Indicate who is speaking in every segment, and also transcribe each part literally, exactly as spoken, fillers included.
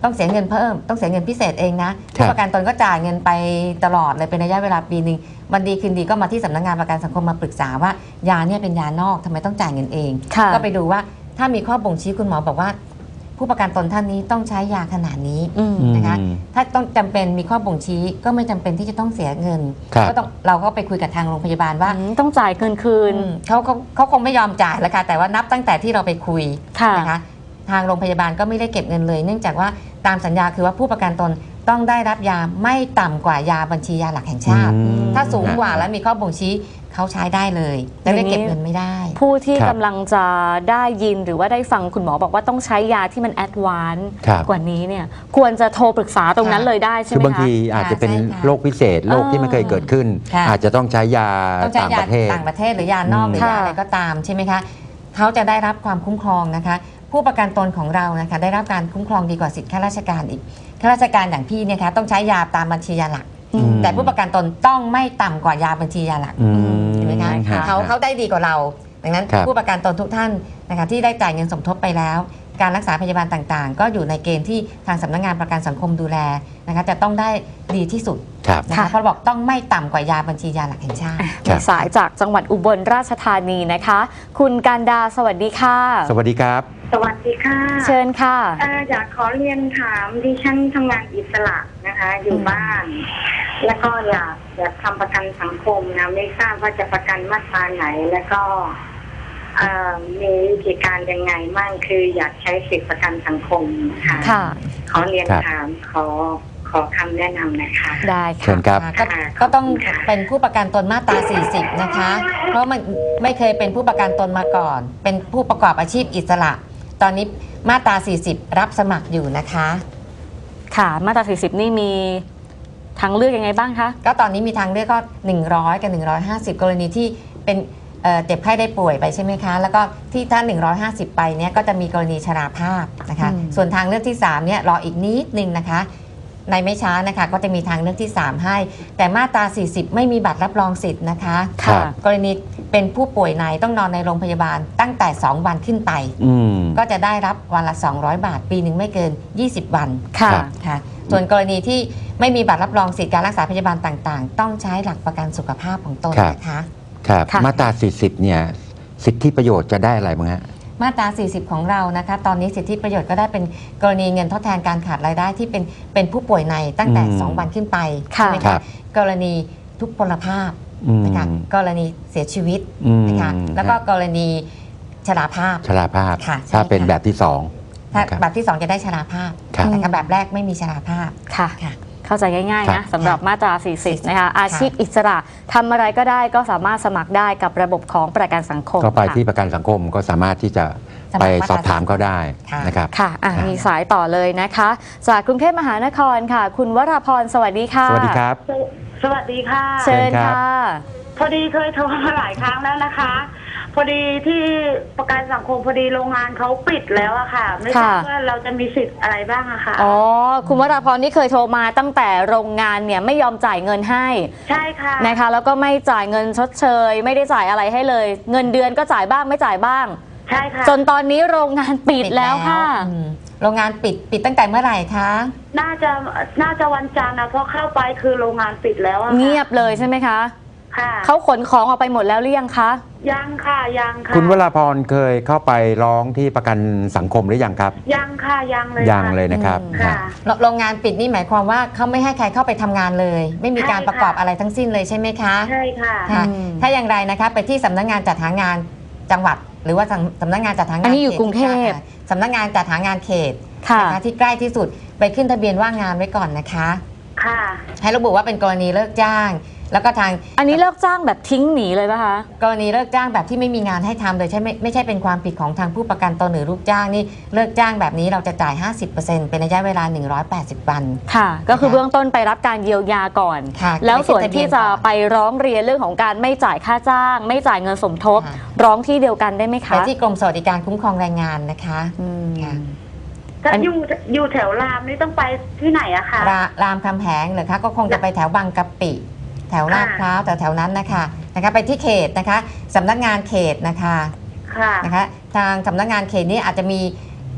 Speaker 1: ต้องเสียเงินเพิ่มต้องเสียเงินพิเศษเองนะผู้ประกันตนก็จ่ายเงินไปตลอดเลยเป็นระยะเวลาปีหนึ่งวันดีคืนดีก็มาที่สำนักงานประกันสังคมมาปรึกษาว่ายาเนี่ยเป็นยานอกทำไมต้องจ่ายเงินเองก็ไปดูว่าถ้ามีข้อบ่งชี้คุณหมอบอกว่าผู้ประกันตนท่านนี้ต้องใช้ยาขนาดนี้นะคะถ้าต้องจำเป็นมีข้อบ่งชี้ก็ไม่จำเป็นที่จะต้องเสียเงินก็ต้องเราก็ไปคุยกับทางโรงพยาบาลว่า
Speaker 2: ต้องจ่ายเงินคืน
Speaker 1: เขาเขาเขาคงไม่ยอมจ่ายแล้วค่ะแต่ว่านับตั้งแต่ที่เราไปคุยนะคะทางโรงพยาบาลก็ไม่ได้เก็บเงินเลยเนื่องจากว่าตามสัญญาคือว่าผู้ประกันตนต้องได้รับยาไม่ต่ำกว่ายาบัญชียาหลักแห่งชาติถ้าสูงกว่าแล้วมีข้อบ่งชี้เขาใช้ได้เลยแต่ได้เก็บเงินไม่ได้
Speaker 2: ผู้ที่กำลังจะได้ยินหรือว่าได้ฟังคุณหมอบอกว่าต้องใช้ยาที่มันแอดวานซ์กว่านี้เนี่ยควรจะโทรปรึกษาตรงนั้นเลยได้ใช่ไหมคะ
Speaker 3: คือบางทีอาจจะเป็นโรคพิเศษโรคที่ไม่เคยเกิดขึ้นอาจจะต้องใช้ยาต่างประเทศ
Speaker 1: ต่างประเทศหรือยานอกหรือยาอะไรก็ตามใช่ไหมคะเขาจะได้รับความคุ้มครองนะคะผู้ประกันตนของเรานะคะได้รับการคุ้มครองดีกว่าสิทธิข้าราชการอีกข้าราชการอย่างพี่เนี่ยคะต้องใช้ยาตามบัญชียาหลักแต่ผู้ประกันตนต้องไม่ต่ำกว่ายาบัญชียาหลักเห็นไหมคะเขาเขาได้ดีกว่าเราดังนั้นผู้ประกันตนทุกท่านนะคะที่ได้จ่ายเงินสมทบไปแล้วการรักษาพยาบาลต่างๆก็อยู่ในเกณฑ์ที่ทางสำนักงานประกันสังคมดูแลนะคะจะต้องได้ดีที่สุดนะคะเพราะบอกต้องไม่ต่ำกว่ายาบัญชียาหลักแห่งชาติ
Speaker 2: สายจากจังหวัดอุบลราชธานีนะคะคุณการดาสวัสดีค่ะ
Speaker 3: สวัสดีครับ
Speaker 4: สวัสดีค่ะ
Speaker 2: เชิญค่ะ
Speaker 4: อยากขอเรียนถามดิฉันทำงานอิสระนะคะอยู่บ้านแล้วก็อยากอยากทำประกันสังคมนะไม่ทราบว่าจะประกันมาตราไหนแล้วก็มีวิธีการยังไงมั่งคืออยากใช้สิทธิประกันสังคมค่ะขอเรียนถามขอขอคำแนะนำนะคะ
Speaker 2: ได้
Speaker 3: ค่ะครับ
Speaker 1: ก็ต้องเป็นผู้ประกันตนมาตราสี่สิบนะคะเพราะมันไม่เคยเป็นผู้ประกันตนมาก่อนเป็นผู้ประกอบอาชีพอิสระตอนนี้มาตราสี่สิบรับสมัครอยู่นะคะ
Speaker 2: ค่ะมาตราสี่สิบนี่มีทางเลือกยังไงบ้างคะ
Speaker 1: ก็ตอนนี้มีทางเลือกก็หนึ่งร้อยกับหนึ่งร้อยห้าสิบกรณีที่เป็นเจ็บไข้ได้ป่วยไปใช่ไหมคะแล้วก็ที่ถ้าหนึ่งร้อยห้าสิบไปเนี้ยก็จะมีกรณีชราภาพนะคะส่วนทางเลือกที่สามเนี่ยรออีกนิดนึงนะคะในไม่ช้านะคะก็จะมีทางเลือกที่สามให้แต่มาตราสี่สิบไม่มีบัตรรับรองสิทธิ์นะคะกรณีเป็นผู้ป่วยในต้องนอนในโรงพยาบาลตั้งแต่สองวันขึ้นไปก็จะได้รับวันละสองร้อยบาทปีหนึ่งไม่เกินยี่สิบวัน
Speaker 2: ค่ะ
Speaker 1: ค่ะส่วนกรณีที่ไม่มีบัตรรับรองสิทธิการรักษาพยาบาลต่างๆต้องใช้หลักประกันสุขภาพของตนนะคะ
Speaker 3: ครับมาตราสี่สิบเนี่ยสิทธิประโยชน์จะได้อะไรบ้างฮะ
Speaker 1: มาตราสี่สิบของเรานะคะตอนนี้สิทธิประโยชน์ก็ได้เป็นกรณีเงินทดแทนการขาดรายได้ที่เป็นเป็นผู้ป่วยในตั้งแต่สองวันขึ้นไปใช่ไหมคะกรณีทุพพลภาพนะคะกรณีเสียชีวิตนะคะแล้วก็กรณีชราภาพ
Speaker 3: ชราภาพถ้าเป็นแบบที่สอง
Speaker 1: ถ้าแบบที่สองจะได้ชราภาพแต่แบบแรกไม่มีชราภาพ
Speaker 2: ค่ะเข้าใจง่ายๆนะสำหรับมาตราสี่สิบนะคะอาชีพอิสระทำอะไรก็ได้ก็สามารถสมัครได้กับระบบของประกันสังคม
Speaker 3: ก็ไปที่ประกันสังคมก็สามารถที่จะไปสอบถามเขาได้นะครับ
Speaker 2: ค่ะมีสายต่อเลยนะคะจากกรุงเทพมหานครค่ะคุณวราพรสวัสดีค่ะ
Speaker 3: สวัสดีครับ
Speaker 4: สวัสดีค่ะ
Speaker 2: เชิญค่ะ
Speaker 4: พอดีเคยโทรมาหลายครั้งแล้วนะคะพอดีที่ประกันสังคมพอดีโรงงานเขาปิดแล้วอะค่ะไม่ทราบว่าเราจะมีสิทธิ์อะไรบ้างอะค่ะ
Speaker 2: อ๋อคุณวราพรนี่เคยโทรมาตั้งแต่โรงงานเนี่ยไม่ยอมจ่ายเงินให้
Speaker 4: ใช่ค่ะ
Speaker 2: นะคะแล้วก็ไม่จ่ายเงินชดเชยไม่ได้จ่ายอะไรให้เลยเงินเดือนก็จ่ายบ้างไม่จ่ายบ้าง
Speaker 4: ใช่ค่ะ
Speaker 2: จนตอนนี้โรงงานปิดแล้วค่ะ
Speaker 1: โรงงานปิดปิดตั้งแต่เมื่อไหร่คะ
Speaker 4: น่าจะน่าจะวันจันทร์นะเพราะเข้าไปคือโรงงานปิดแล้ว
Speaker 2: เงียบเลยใช่ไหมคะเขาขนของออกไปหมดแล้วหรือยังคะ
Speaker 4: ยังค่ะยังค่ะ
Speaker 3: คุณวราพรเคยเข้าไปร้องที่ประกันสังคมหรือยังครับ
Speaker 4: ยังค่ะยังเลย
Speaker 3: ยังเลยนะครับ
Speaker 1: โรงงานปิดนี่หมายความว่าเขาไม่ให้ใครเข้าไปทำงานเลยไม่มีการประกอบอะไรทั้งสิ้นเลยใช่ไหมคะ
Speaker 4: ใช่ค่ะ
Speaker 1: ถ้าอย่างไรนะคะไปที่สำนักงานจัดหางานจังหวัดหรือว่าสำนักงานจัดหางาน
Speaker 2: อันนี้อยู่กรุงเทพ
Speaker 1: สำนักงานจัดหางานเขตนะคะที่ใกล้ที่สุดไปขึ้นทะเบียนว่างงานไว้ก่อนนะคะ
Speaker 4: ค่ะ
Speaker 1: ให้ระบุว่าเป็นกรณีเลิกจ้างแล้วก็ทาง
Speaker 2: อันนี้เลิกจ้างแบบทิ้งหนีเลยป่ะคะ
Speaker 1: กรณีเลิกจ้างแบบที่ไม่มีงานให้ทำเลยใช่ไม่ไม่ใช่เป็นความผิดของทางผู้ประกันตนหรือลูกจ้างนี่เลิกจ้างแบบนี้เราจะจ่าย ห้าสิบเปอร์เซ็นต์ เป็นระยะเวลาหนึ่งร้อยแปดสิบวัน
Speaker 2: ค่ะก็คือเบื้องต้นไปรับการเยียวยาก่อนแล้วส่วนที่จะไปร้องเรียนเรื่องของการไม่จ่ายค่าจ้างไม่จ่ายเงินสมทบร้องที่เดียวกันได้ไหมคะไป
Speaker 1: ที่กรมสวัสดิการคุ้มครองแรงงานนะคะ
Speaker 4: ถ้าอยู่อยู่แถวรามนี่ต้องไปที่ไหนอะคะ
Speaker 1: รามคำแหงเหรอคะก็คงจะไปแถวบางกะปิแถวลาดพร้าวแต่แถวนั้นนะคะนะคะไปที่เขตนะคะสำนักงานเขตนะคะนะคะทางสำนักงานเขตนี้อาจจะมี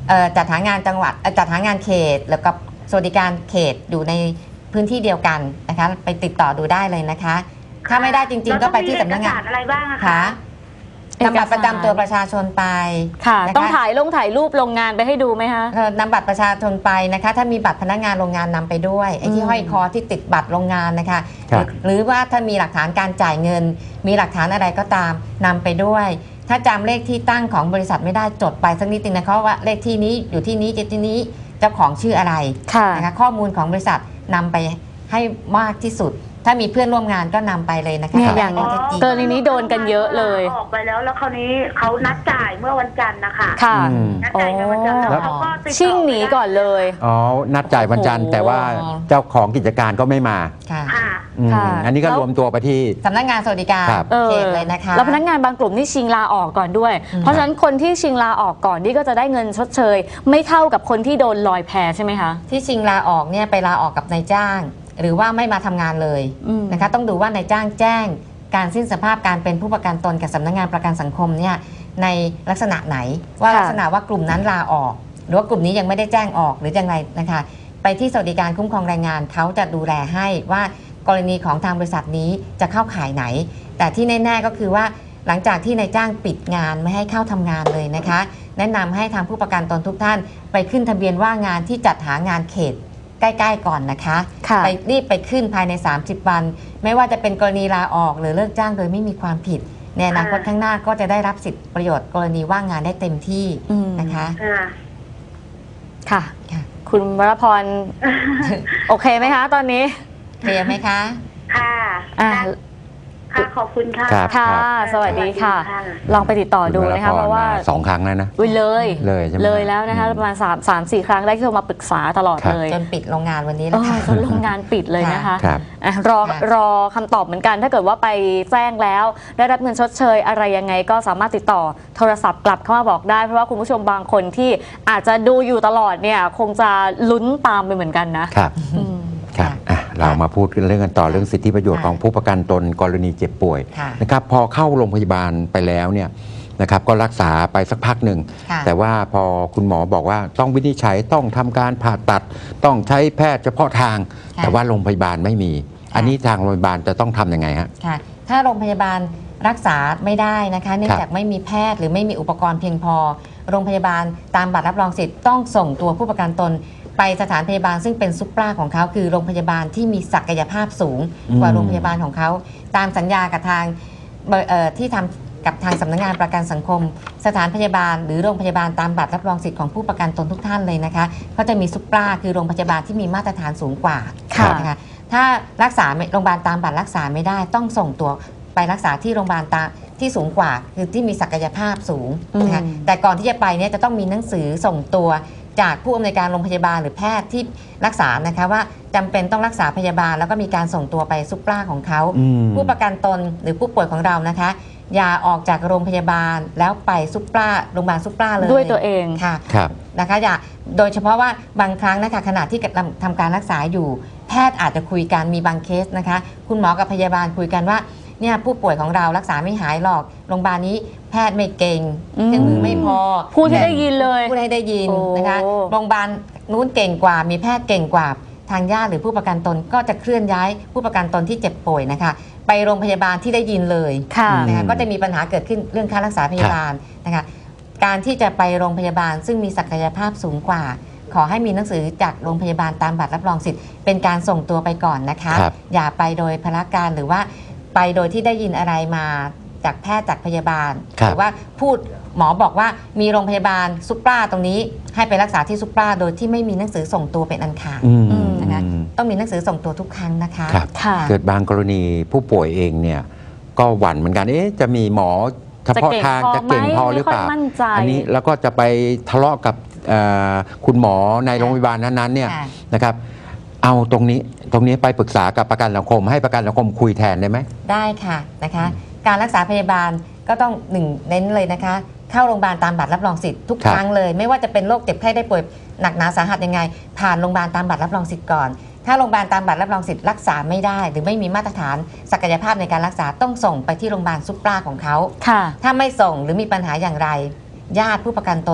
Speaker 1: เอ่อจัดหางานจังหวัดเอ่อจัดหางานเขตแล้วก็สวัสดิการเขตอยู่ในพื้นที่เดียวกันนะคะไปติดต่อดูได้เลยนะคะ ถ้าไม่ได้จริงๆก็ไปที่สำนักงาน
Speaker 4: แล้วต้องมีเอกสารอะไรบ้างอะคะ
Speaker 1: ค่ะนำบัตรประจำตัวประชาชนไป
Speaker 2: ค่ะ
Speaker 1: นะคะ
Speaker 2: ต้องถ่ายลงถ่ายรูปโรงงานไปให้ดูไหมคะ
Speaker 1: เอ่อนำบัตรประชาชนไปนะคะ ถ้ามีบัตรพนักงานโรงงานนำไปด้วยไอ้ที่
Speaker 2: อืม
Speaker 1: ห้อยคอที่ติดบัตรโรงงานนะคะ
Speaker 3: ครับ
Speaker 1: หรือว่าถ้ามีหลักฐานการจ่ายเงิน มีหลักฐานอะไรก็ตามนำไปด้วย ถ้าจำเลขที่ตั้งของบริษัทไม่ได้จดไปสักนิดนึงนะคะว่าเลขที่นี้อยู่ที่นี้ที่นี้เจ้าของชื่ออะไร
Speaker 2: ค่ะ
Speaker 1: นะคะข้อมูลของบริษัทนำไปให้มากที่สุด ถ้ามีเพื่อนร่วมงานก็นำไปเลยนะคะ
Speaker 2: เนี่ยอย่าง
Speaker 1: ข้อเท็จจริง
Speaker 2: กรณีนี้โดนกันเยอะเลย
Speaker 4: ออกไปแล้วแล้วคราวนี้เขานัดจ่ายเมื่อวันจันทร์นะคะ
Speaker 2: ค่ะ
Speaker 3: อืม
Speaker 4: นัดจ่ายเงินวันจันทร์แล้วเขาก็ติดต่อ
Speaker 2: ชิ่งหนีก่อนเลย
Speaker 3: อ๋อนัดจ่ายวันจันทร์
Speaker 2: โอ้โห
Speaker 3: แต่ว่าเจ้าของกิจการก็ไม่มา
Speaker 1: ค่ะ
Speaker 4: ค่ะ
Speaker 3: อืม
Speaker 2: ค่ะ
Speaker 3: อันนี้ก็
Speaker 2: แล้ว
Speaker 3: รวมตัวไปที่
Speaker 1: สำนักงานสวัสดิการ
Speaker 3: ครับ
Speaker 2: เออ
Speaker 1: เขตเลยนะคะ
Speaker 2: แล้วพนักงานบางกลุ่มนี่ชิงลาออกก่อนด้วย
Speaker 1: อืม
Speaker 2: เพราะฉะนั้นคนที่ชิงลาออกก่อนนี่ก็จะได้เงินชดเชย ไม่เท่ากับคนที่โดนลอยแพใช่ไหมคะ
Speaker 1: ที่ชิงลาออกเนี่ยไปลาออกกับนายจ้าง หรือว่าไม่มาทำงานเลย
Speaker 2: อืม
Speaker 1: นะคะต้องดูว่านายจ้างแจ้งการสิ้นสภาพการเป็นผู้ประกันตนกับสำนักงานประกันสังคมเนี่ยในลักษณะไหน ว่า
Speaker 2: ค่ะ
Speaker 1: ลักษณะว่ากลุ่มนั้นลาออก หรือว่ากลุ่มนี้ยังไม่ได้แจ้งออกหรือยังไงนะคะ ไปที่สวัสดิการคุ้มครองแรงงานเขาจะดูแลให้ว่ากรณีของทางบริษัทนี้จะเข้าข่ายไหน แต่ที่แน่ๆก็คือว่าหลังจากที่นายจ้างปิดงานไม่ให้เข้าทำงานเลยนะคะ แนะนำให้ทางผู้ประกันตนทุกท่าน ไปขึ้นทะเบียนว่างงานที่จัดหางานเขตใกล้ๆก่อนนะคะ
Speaker 2: ค่ะ
Speaker 1: ไปรีบไปขึ้นภายใน สามสิบ วัน ไม่ว่าจะเป็นกรณีลาออกหรือเลิกจ้างโดยไม่มีความผิดในอนาคตข้างหน้าก็จะได้รับสิทธิประโยชน์กรณีว่างงานได้เต็มที่
Speaker 2: อืม
Speaker 1: นะคะ
Speaker 4: ค่ะ
Speaker 2: ค่ะ
Speaker 1: ค่ะ
Speaker 2: คุณวรพร โอเคไหมคะตอนนี้
Speaker 1: เคลียร์ไหมคะ
Speaker 4: ค่ะ
Speaker 2: อ่า
Speaker 4: ค่ะขอบคุณค่ะ
Speaker 3: ครับ
Speaker 2: ค่ะ สวัสดีค่ะ ลองไปติดต่อดูนะคะ เพราะว่า
Speaker 3: สองครั้งแล้วนะ
Speaker 2: อุ้ยเลย
Speaker 3: เลยใช่ไหม
Speaker 2: เลยแล้วนะคะ
Speaker 3: อืม
Speaker 2: ประมาณ3 3 4 ครั้งได้ที่โทรมาปรึกษาตลอด
Speaker 3: ครับ
Speaker 2: เลย
Speaker 1: จนปิดโรงงานวันนี้
Speaker 2: เอ
Speaker 1: แล้ว
Speaker 2: อ
Speaker 1: ค่ะ
Speaker 2: จนโรงงานปิดเลยนะคะ
Speaker 3: ครับ
Speaker 2: อ่ะรอ
Speaker 1: ค่ะ
Speaker 2: รอคำตอบเหมือนกัน ถ้าเกิดว่าไปแจ้งแล้ว ได้รับเงินชดเชยอะไรยังไงก็สามารถติดต่อโทรศัพท์กลับเข้ามาบอกได้ เพราะว่าคุณผู้ชมบางคนที่อาจจะดูอยู่ตลอดเนี่ยคงจะลุ้นตามไปเหมือนกันนะครับ อืม
Speaker 3: ครับอ่ะเรามาพูดกันเรื่องกันต่อเรื่องสิทธิประโยชน์
Speaker 1: ค่ะ
Speaker 3: ของผู้ประกันตนกรณีเจ็บป่วย
Speaker 1: ค่ะ
Speaker 3: นะครับพอเข้าโรงพยาบาลไปแล้วเนี่ยนะครับก็รักษาไปสักพักหนึ่ง
Speaker 1: ค่ะ
Speaker 3: แต่ว่าพอคุณหมอบอกว่าต้องวินิจฉัยต้องทำการผ่าตัด ต้องใช้แพทย์เฉพาะทาง
Speaker 1: ค่ะ
Speaker 3: แต่ว่าโรงพยาบาลไม่มี อันนี้ทางโรงพยาบาลจะต้องทำยังไงฮะ
Speaker 1: ค่ะ ถ้าโรงพยาบาลรักษาไม่ได้นะคะ เนื่องจากไม่มีแพทย์หรือไม่มีอุปกรณ์เพียงพอ โรงพยาบาลตามบัตรรับรองสิทธิ์ต้องส่งตัวผู้ประกันตน ไปสถานพยาบาลซึ่งเป็นซุปเปอร์ของเขาคือโรงพยาบาลที่มีศักยภาพสูง
Speaker 3: อืม
Speaker 1: กว่าโรงพยาบาลของเขา ตามสัญญากับทางเบอร์เอ่อที่ทำกับทางสำนักงานประกันสังคม สถานพยาบาล หรือโรงพยาบาลตามบัตรรับรองสิทธิ์ของผู้ประกันตนทุกท่านเลยนะคะเขาจะมีซุปเปอร์คือโรงพยาบาลที่มีมาตรฐานสูงกว่า
Speaker 2: ค่ะ
Speaker 1: นะคะถ้ารักษาไม่โรงพยาบาลตามบัตรรักษาไม่ได้ต้องส่งตัวไปรักษาที่โรงพยาบาลตามที่สูงกว่า คือที่มีศักยภาพสูงนะคะ
Speaker 2: อืม
Speaker 1: แต่ก่อนที่จะไปเนี่ยจะต้องมีหนังสือส่งตัวจากผู้อำนวยการโรงพยาบาลหรือแพทย์ที่รักษานะคะว่าจำเป็นต้องรักษาพยาบาล แล้วก็มีการส่งตัวไปซุปเปอร์ของเขา
Speaker 3: อืม
Speaker 1: ผู้ประกันตนหรือผู้ป่วยของเรานะคะ อย่าออกจากโรงพยาบาลแล้วไปซุปเปอร์โรงพยาบาลซุปเปอร์เลย
Speaker 2: ด้วยตัวเอง
Speaker 1: ค่ะ
Speaker 3: ครับ
Speaker 1: นะคะอย่าโดยเฉพาะว่าบางครั้งนะคะขณะที่กำลังทำการรักษาอยู่ แพทย์อาจจะคุยกันมีบางเคสนะคะ คุณหมอกับพยาบาลคุยกันว่าเนี่ยผู้ป่วยของเรารักษาไม่หายหรอกโรงพยาบาลนี้แพทย์ไม่เก่ง
Speaker 2: อืม
Speaker 1: เครื่องมือไม่พอ
Speaker 2: พูดให้ได้ยินเลย
Speaker 1: พูดให้ได้ยิน
Speaker 2: โอ้
Speaker 1: นะคะโรงพยาบาลนู้นเก่งกว่า มีแพทย์เก่งกว่าทางญาติหรือผู้ประกันตนก็จะเคลื่อนย้ายผู้ประกันตนที่เจ็บป่วยนะคะ ไปโรงพยาบาลที่ได้ยินเลย
Speaker 2: ค่ะ
Speaker 1: นะคะก็จะมีปัญหาเกิดขึ้นเรื่องค่ารักษาพยาบาลนะคะการที่จะไปโรงพยาบาลซึ่งมีศักยภาพสูงกว่า ขอให้มีหนังสือจากโรงพยาบาลตามบัตรรับรองสิทธิ์เป็นการส่งตัวไปก่อนนะคะ
Speaker 3: ครับ
Speaker 1: อย่าไปโดยพละการหรือว่าไปโดยที่ได้ยินอะไรมาจากแพทย์จากพยาบาล
Speaker 3: ครั
Speaker 1: ห
Speaker 3: บ
Speaker 1: รือว่าพูดหมอบอกว่ามีโรงพยาบาลซุปเปอร์ตรงนี้ให้ไปรักษาที่ซุปเปอร์โดยที่ไม่มีหนังสือส่งตัวเป็นอันขาด
Speaker 3: อืม
Speaker 2: อืม
Speaker 1: นะคะต้องมีหนังสือส่งตัวทุกครั้งนะคะ
Speaker 3: ครับ
Speaker 2: ค่ะ
Speaker 3: เกิดบางกรณีผู้ป่วยเองเนี่ยก็หวั่นเหมือนกันเอ๊ะจะมีหมอเฉพาะทางจะ
Speaker 2: จะเก่
Speaker 3: เก่ง
Speaker 2: ง
Speaker 3: พ
Speaker 2: พ
Speaker 3: อ
Speaker 2: อไหม
Speaker 3: หรือเปล่า
Speaker 2: ไม่ค่อยมั่นใจ
Speaker 3: อันี้แล้วก็จะไปทะเลาะกับเอ่อคุณหมอในโรงพยาบาลนั้นๆเนี่ย
Speaker 1: ค่ะ
Speaker 3: นะครับ เอาตรงนี้ตรงนี้ไปปรึกษากับประกันสังคม ให้ประกันสังคมคุยแทนได้ไหม
Speaker 1: ได้ค่ะนะคะ การรักษาพยาบาลก็ต้องหนึ่งเน้นเลยนะคะ เข้าโรงพยาบาลตามบัตรรับรองสิทธิ์ทุก
Speaker 3: ครับ
Speaker 1: ครั้งเลย ไม่ว่าจะเป็นโรคเจ็บไข้ได้ป่วยหนักหนาสาหัสยังไง ผ่านโรงพยาบาลตามบัตรรับรองสิทธิ์ก่อน ถ้าโรงพยาบาลตามบัตรรับรองสิทธิ์รักษาไม่ได้ หรือไม่มีมาตรฐานศักยภาพในการรักษาต้องส่งไปที่โรงพยาบาลซุปเปอร์ของเขา
Speaker 2: ค่ะ
Speaker 1: ถ้าไม่ส่งหรือมีปัญหาอย่างไร ญาติผู้ประกันตน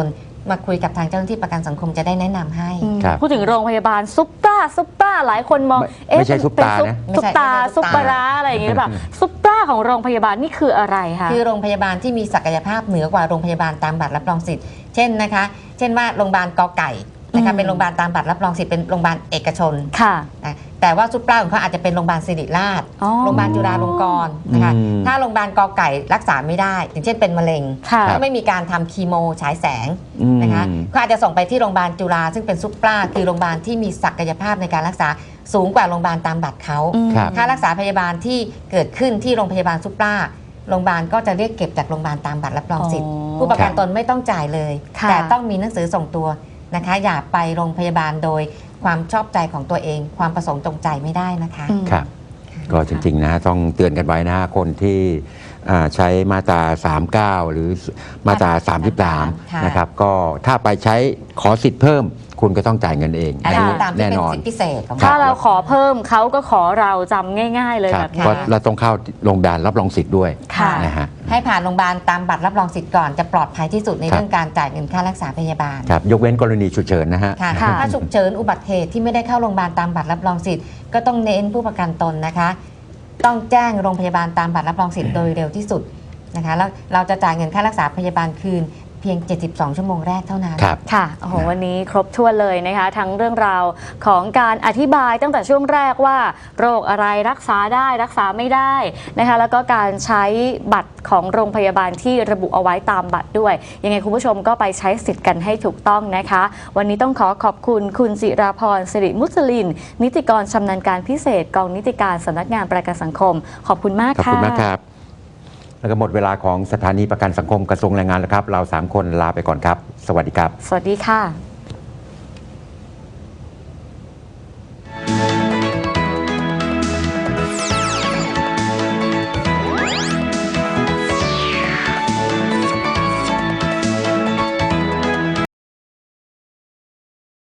Speaker 1: มาคุยกับทางเจ้าหน้าที่ประกันสังคมจะได้แนะนำให้
Speaker 2: อืม
Speaker 3: ครับ
Speaker 2: พูดถึงโรงพยาบาลซุปตาซุปตาหลายคนมอง
Speaker 3: ไม่ไม่ใช่ซุปตา
Speaker 2: เป็น
Speaker 3: นะ
Speaker 2: ซุปตา
Speaker 1: ไม่ใช่
Speaker 2: ซุปปลาร้าอะไรอย่างงี้หรือเปล่าซุปตาของโรงพยาบาลนี่คืออะไรคะ
Speaker 1: คือโรงพยาบาลที่มีศักยภาพเหนือกว่าโรงพยาบาลตามบัตรรับรองสิทธิ์เช่นนะคะ เช่นว่าโรงพยาบาลกอไก่นะคะ
Speaker 2: อืม
Speaker 1: เป็นโรงพยาบาลตามบัตรรับรองสิทธิ์เป็นโรงพยาบาลเอกชน
Speaker 2: ค่ะ
Speaker 1: นะแต่ว่าซุปเปอร์ของเขาอาจจะเป็นโรงพยาบาลศิริราช
Speaker 2: อ๋อ
Speaker 1: โรงพยาบาลจุฬาลงกรณ์นะคะ
Speaker 3: อืม
Speaker 1: ถ้าโรงพยาบาลกอไก่รักษาไม่ได้ อย่างเช่นเป็นมะเร็ง
Speaker 2: ค่ะ
Speaker 1: ก็ไม่มีการทำคีโมฉายแสง
Speaker 3: อืม
Speaker 1: นะคะก็อาจจะส่งไปที่โรงพยาบาลจุฬาซึ่งเป็นซุปเปอร์คือโรงพยาบาลที่มีศักยภาพในการรักษาสูงกว่าโรงพยาบาลตามบัตรเขา
Speaker 2: อืม
Speaker 3: ครับ
Speaker 1: ค่ารักษาพยาบาลที่เกิดขึ้นที่โรงพยาบาลซุปเปอร์โรงพยาบาลก็จะเรียกเก็บจากโรงพยาบาลตามบัตรรับรองสิทธิ์
Speaker 2: อ๋อ
Speaker 1: ผู้ประกันตนไม่ต้องจ่ายเลย
Speaker 2: ค่ะ
Speaker 1: แต่ต้องมีหนังสือส่งตัวนะคะ อย่าไปโรงพยาบาลโดยความชอบใจของตัวเอง ความประสงค์จงใจไม่ได้นะคะ
Speaker 2: อืม
Speaker 3: ครับ ก็จริงๆนะต้องเตือนกันไว้นะฮะคนที่อ่าใช้มาตราสามสิบเก้า หรือมาตราสามสิบสาม
Speaker 1: ค่ะ
Speaker 3: นะครับก็ถ้าไปใช้ขอสิทธิ์เพิ่ม คุณก็ต้องจ่ายเงินเอง
Speaker 1: อะไร
Speaker 3: อัน
Speaker 1: ก็
Speaker 3: นี้
Speaker 1: ตามที่
Speaker 3: แน่
Speaker 1: เป็น
Speaker 3: นอน
Speaker 1: สิทธิพิเศษของ
Speaker 3: ครั
Speaker 2: ถ้า
Speaker 3: บ
Speaker 2: เราขอเพิ่มเขาก็ขอเราจำง่าย ๆ เลย
Speaker 3: ค
Speaker 2: แบ
Speaker 3: รับบ
Speaker 2: นี้
Speaker 3: ก็เราต้องเข้าโรงพยาบาลรับรองสิทธิ์ด้วย
Speaker 2: ค่ะ
Speaker 3: นะฮะ
Speaker 1: ให้ผ่านโรงพยาบาลตามบัตรรับรองสิทธิ์ก่อนจะปลอดภัยที่สุดใน
Speaker 3: ครับ
Speaker 1: เรื่องการจ่ายเงินค่ารักษาพยาบาล
Speaker 3: ครับยกเว้นกรณีฉุกเฉินนะฮะ
Speaker 1: ค่ะ
Speaker 2: ค่ะ
Speaker 1: ถ้าฉุกเฉินอุบัติเหตุที่ไม่ได้เข้าโรงพยาบาลตามบัตรรับรองสิทธิ์ก็ต้องเน้นผู้ประกันตนนะคะ ต้องแจ้งโรงพยาบาลตามบัตรรับรองสิทธิ์โดยเร็วที่สุดนะคะแล้วเราจะจ่ายเงินค่ารักษาพยาบาลคืนเพียง เจ็ดสิบสอง ชั่วโมงแรกเท่านั้น
Speaker 3: ครับ
Speaker 2: ค่ะโอ้โหวันนี้ครบถ้วนเลยนะคะ ทั้งเรื่องราวของการอธิบายตั้งแต่ช่วงแรกว่า โรคอะไรรักษาได้รักษาไม่ได้นะคะแล้วก็การใช้บัตรของโรงพยาบาลที่ระบุเอาไว้ตามบัตรด้วย ยังไงคุณผู้ชมก็ไปใช้สิทธิ์กันให้ถูกต้องนะคะ วันนี้ต้องขอขอบคุณคุณจิราพรสิริมุสลิน นิติกรชำนาญการพิเศษกองนิติการสำนักงานประกันสังคม ขอบคุณมาก
Speaker 3: ขอบ
Speaker 2: ค่ะ
Speaker 3: คุณมากครับ แล้วก็หมดเวลาของสถานีประกันสังคมกระทรวงแรงงานแล้วครับ เราสามคนลาไปก่อนครับ สวัสดีครับ
Speaker 2: สวัสดีค่ะ